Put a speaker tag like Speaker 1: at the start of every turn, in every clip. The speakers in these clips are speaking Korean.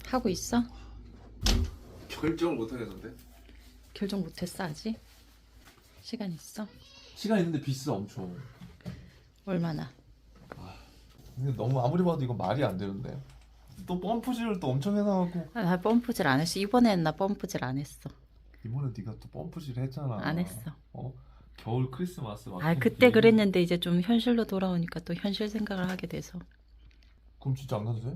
Speaker 1: 하고 있어?
Speaker 2: 결정을 못 하겠는데?
Speaker 1: 결정 못했어 아직? 시간 있어?
Speaker 2: 시간 있는데 비싸 엄청.
Speaker 1: 얼마나?
Speaker 2: 근데 너무 아무리 봐도 이건 말이 안 되는데. 또 펌프질을 또 엄청 해놔갖고.
Speaker 1: 아, 나 펌프질 안 했어. 이번에는 나 펌프질 안 했어.
Speaker 2: 이번에 네가 또 펌프질 했잖아.
Speaker 1: 안 했어.
Speaker 2: 겨울 크리스마스 막.
Speaker 1: 아 그때 그랬는데 이제 좀 현실로 돌아오니까 또 현실 생각을 하게 돼서.
Speaker 2: 그럼 진짜 안 가도 돼?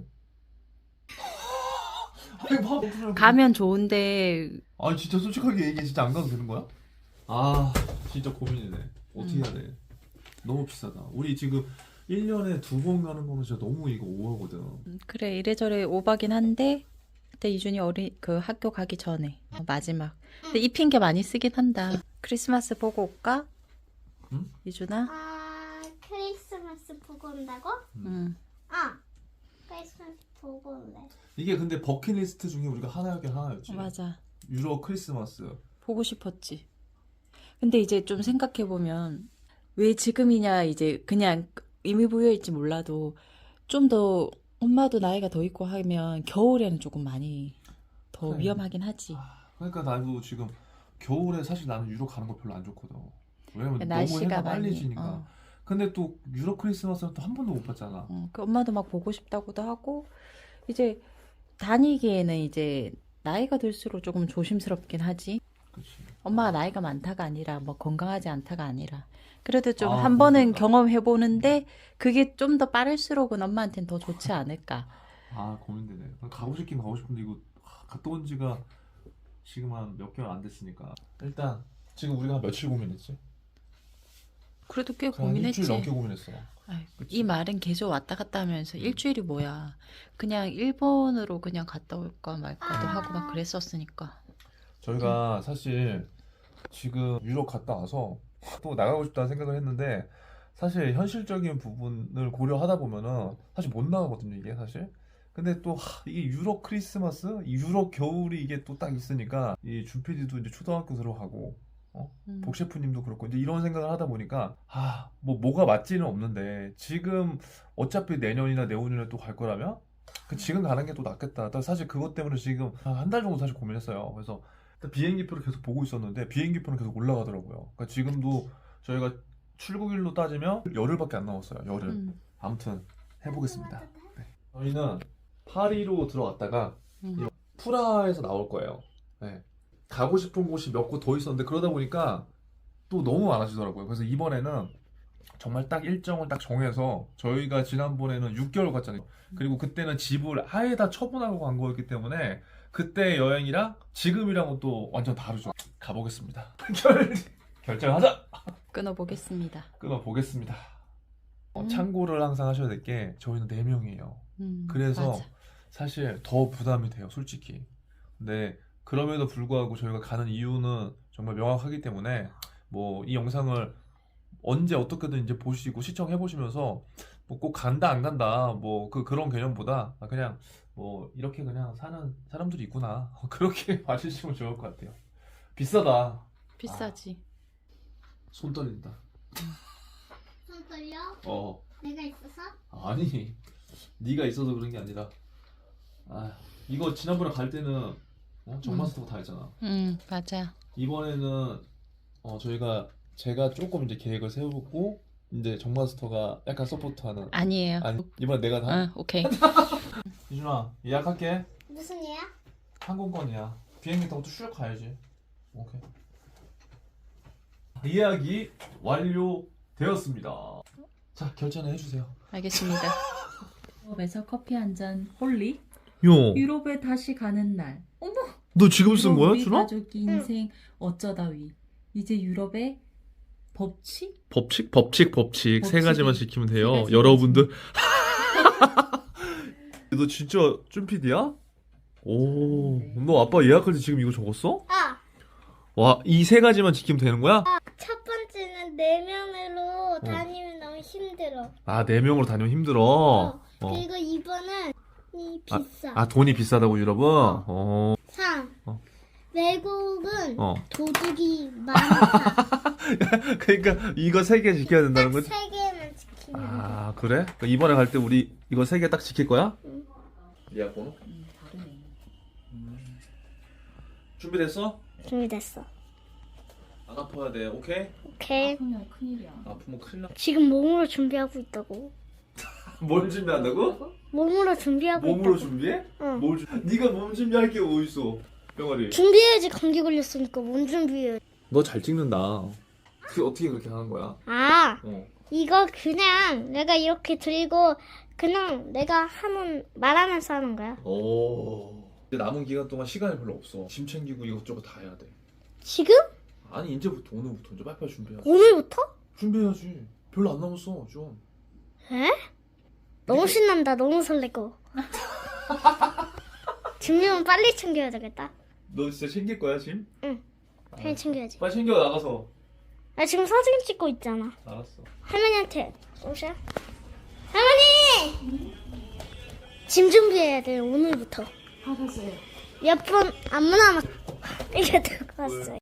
Speaker 2: 아니 봐.
Speaker 1: 가면 좋은데
Speaker 2: 아니 진짜 솔직하게 얘기해. 진짜 안 가도 되는 거야? 아 진짜 고민이네. 어떻게 해야 돼? 너무 비싸다. 우리 지금 1년에 2번 가는 거는 진짜 너무 이거 오하거든.
Speaker 1: 그래 이래저래 오바긴 한데 그때 이준이 그 학교 가기 전에 마지막. 근데 이 핑계 많이 쓰긴 한다. 크리스마스 보고 올까?
Speaker 2: 응?
Speaker 1: 이준아?
Speaker 3: 아, 크리스마스 보고 온다고?
Speaker 1: 응.
Speaker 3: 크리스마스 보고 올래.
Speaker 2: 이게 근데 버킷리스트 중에 우리가 하나였긴 하나였지.
Speaker 1: 맞아.
Speaker 2: 유럽 크리스마스.
Speaker 1: 보고 싶었지. 근데 이제 좀 생각해보면 왜 지금이냐 이제 그냥 의미 부여일지 몰라도 좀 더 엄마도 나이가 더 있고 하면 겨울에는 조금 많이 더
Speaker 2: 그래.
Speaker 1: 위험하긴 하지.
Speaker 2: 그러니까 나도 지금 겨울에 사실 나는 유럽 가는 거 별로 안 좋거든. 왜냐면 너무
Speaker 1: 날씨가
Speaker 2: 해가
Speaker 1: 많이,
Speaker 2: 빨리 지니까. 근데 또 유럽 크리스마스는 또 한 번도 못 봤잖아.
Speaker 1: 그 엄마도 막 보고 싶다고도 하고 이제 다니기에는 이제 나이가 들수록 조금 조심스럽긴 하지.
Speaker 2: 그치.
Speaker 1: 엄마가 나이가 많다가 아니라 뭐 건강하지 않다가 아니라 그래도 좀
Speaker 2: 아,
Speaker 1: 한 번은
Speaker 2: 그러니까.
Speaker 1: 경험해 보는데 그게 좀 더 빠를수록은 엄마한테는 더 좋지 않을까.
Speaker 2: 아 고민되네. 가고 싶긴 가고 싶은데 이거 갔다 온 지가 지금 한 몇 개월 안 됐으니까. 일단 지금 우리가 한 며칠 고민했지?
Speaker 1: 그래도 꽤
Speaker 2: 한 일주일 넘게
Speaker 1: 고민했지.
Speaker 2: 고민했어.
Speaker 1: 아이,
Speaker 2: 그치.
Speaker 1: 이 말은 계속 왔다 갔다 하면서 일주일이 뭐야. 그냥 일본으로 그냥 갔다 올까 말까도 하고 막 그랬었으니까.
Speaker 2: 저희가 사실 지금 유럽 갔다 와서 또 나가고 싶다는 생각을 했는데 사실 현실적인 부분을 고려하다 보면은 사실 못 나가거든요 이게 사실. 근데 또 이게 유럽 크리스마스, 이 유럽 겨울이 이게 또 딱 있으니까 이 준PD도 이제 초등학교 들어가고 복셰프님도 그렇고 이제 이런 생각을 하다 보니까 뭐가 맞지는 없는데 지금 어차피 내년이나 내후년에 또 갈 거라면 지금 가는 게 또 낫겠다. 사실 그것 때문에 지금 한 달 정도 사실 고민했어요. 그래서 비행기표를 계속 보고 있었는데 비행기표는 계속 올라가더라고요. 그러니까 지금도 저희가 출국일로 따지면 열흘밖에 안 남았어요. 열흘. 아무튼 해보겠습니다. 네. 저희는 파리로 들어갔다가 프라하에서 나올 거예요. 네. 가고 싶은 곳이 몇 곳 더 있었는데 그러다 보니까 또 너무 많아지더라고요. 그래서 이번에는 정말 딱 일정을 딱 정해서 저희가 지난번에는 6개월 갔잖아요. 그리고 그때는 집을 아예 다 처분하고 간 거였기 때문에 그때 여행이랑 지금이랑은 또 완전 다르죠. 가보겠습니다. 결정하자!
Speaker 1: 끊어보겠습니다.
Speaker 2: 끊어보겠습니다. 참고를 항상 하셔야 될 게 저희는 4명이에요. 그래서
Speaker 1: 맞아.
Speaker 2: 사실 더 부담이 돼요, 솔직히. 근데 그럼에도 불구하고 저희가 가는 이유는 정말 명확하기 때문에 뭐 이 영상을 언제 어떻게든 이제 보시고 시청해 보시면서 뭐 꼭 간다 안 간다 뭐 그런 개념보다 그냥 뭐 이렇게 그냥 사는 사람들이 있구나 그렇게 봐주시면 좋을 것 같아요. 비싸다.
Speaker 1: 비싸지.
Speaker 2: 손 떨린다.
Speaker 3: 손 떨려? 내가 있어서?
Speaker 2: 아니 네가 있어서 그런 게 아니라 이거 지난번에 갈 때는 정마스터가 다 했잖아.
Speaker 1: 맞아.
Speaker 2: 이번에는 제가 조금 이제 계획을 세우고 이제 정마스터가 약간 서포트하는.
Speaker 1: 아니에요.
Speaker 2: 아니 이번에 내가 다.
Speaker 1: 응, 오케이.
Speaker 2: 이준아 예약할게.
Speaker 3: 무슨 얘야?
Speaker 2: 항공권이야. 비행기 타고 또 쭉 가야지. 오케이. 예약이 완료되었습니다. 자 결제는 해주세요.
Speaker 1: 알겠습니다. 유럽에서 커피 한 잔 홀리.
Speaker 2: 요.
Speaker 1: 유럽에 다시 가는 날. 어머.
Speaker 2: 너 지금
Speaker 1: 유럽 우리 가족 인생 어쩌다위. 이제 유럽의 법칙?
Speaker 2: 법칙 세 가지만 지키면 돼요.
Speaker 1: 세 가지
Speaker 2: 여러분들. 너 진짜 쭌피디야? 오, 너 아빠 예약할 때 지금 이거 적었어? 와, 이 세 가지만 지키면 되는 거야?
Speaker 3: 첫 번째는 4명으로 다니면 너무 힘들어.
Speaker 2: 4명으로 다니면 힘들어.
Speaker 3: 그리고 2번은 비싸.
Speaker 2: 돈이 비싸다고 유럽은?
Speaker 3: 3. 외국은
Speaker 2: 어.
Speaker 3: 도둑이 많다.
Speaker 2: 그러니까 이거 세 개 지켜야 된다는
Speaker 3: 딱
Speaker 2: 거지?
Speaker 3: 3개만 지키면 돼.
Speaker 2: 그래? 그러니까 이번에 갈 때 우리 이거 세 개 딱 지킬 거야? 예약 번호?
Speaker 1: 다르네.
Speaker 2: 준비됐어?
Speaker 3: 준비됐어.
Speaker 2: 안 아파야 돼. 오케이?
Speaker 3: 오케이.
Speaker 1: 아프면 큰일이야.
Speaker 2: 아프면 큰일 나.
Speaker 3: 지금 몸으로 준비하고 있다고.
Speaker 2: 뭘 준비한다고?
Speaker 3: 몸으로 준비하고
Speaker 2: 몸으로
Speaker 3: 있다고.
Speaker 2: 준비해?
Speaker 3: 응.
Speaker 2: 뭘 네가 몸 준비할 게 뭐 있어? 병아리.
Speaker 3: 준비해야지. 감기 걸렸으니까 몸 준비해.
Speaker 2: 너 잘 찍는다. 그게 어떻게 그렇게 하는 거야?
Speaker 3: 아,
Speaker 2: 어.
Speaker 3: 이거 그냥 내가 이렇게 들고 그냥 내가 말하면서 하는 거야.
Speaker 2: 오. 이제 남은 기간 동안 시간이 별로 없어. 짐 챙기고 이것저것 다 해야 돼.
Speaker 3: 지금?
Speaker 2: 아니 이제부터 오늘부터 이제 빨리빨리 준비해야지.
Speaker 3: 오늘부터?
Speaker 2: 준비해야지. 별로 안 남았어 좀.
Speaker 3: 에? 너무 신난다. 너무 설레고. 준비면 빨리 챙겨야 되겠다.
Speaker 2: 너 진짜 챙길 거야 짐?
Speaker 3: 빨리 챙겨야지.
Speaker 2: 빨리 챙겨 나가서.
Speaker 3: 나 지금 사진 찍고 있잖아.
Speaker 2: 알았어.
Speaker 3: 할머니한테 오셔. 할머니! 짐 준비해야 돼. 오늘부터.
Speaker 1: 알았어요.
Speaker 3: 몇 분 아무나 막 이게 들고 왔어요.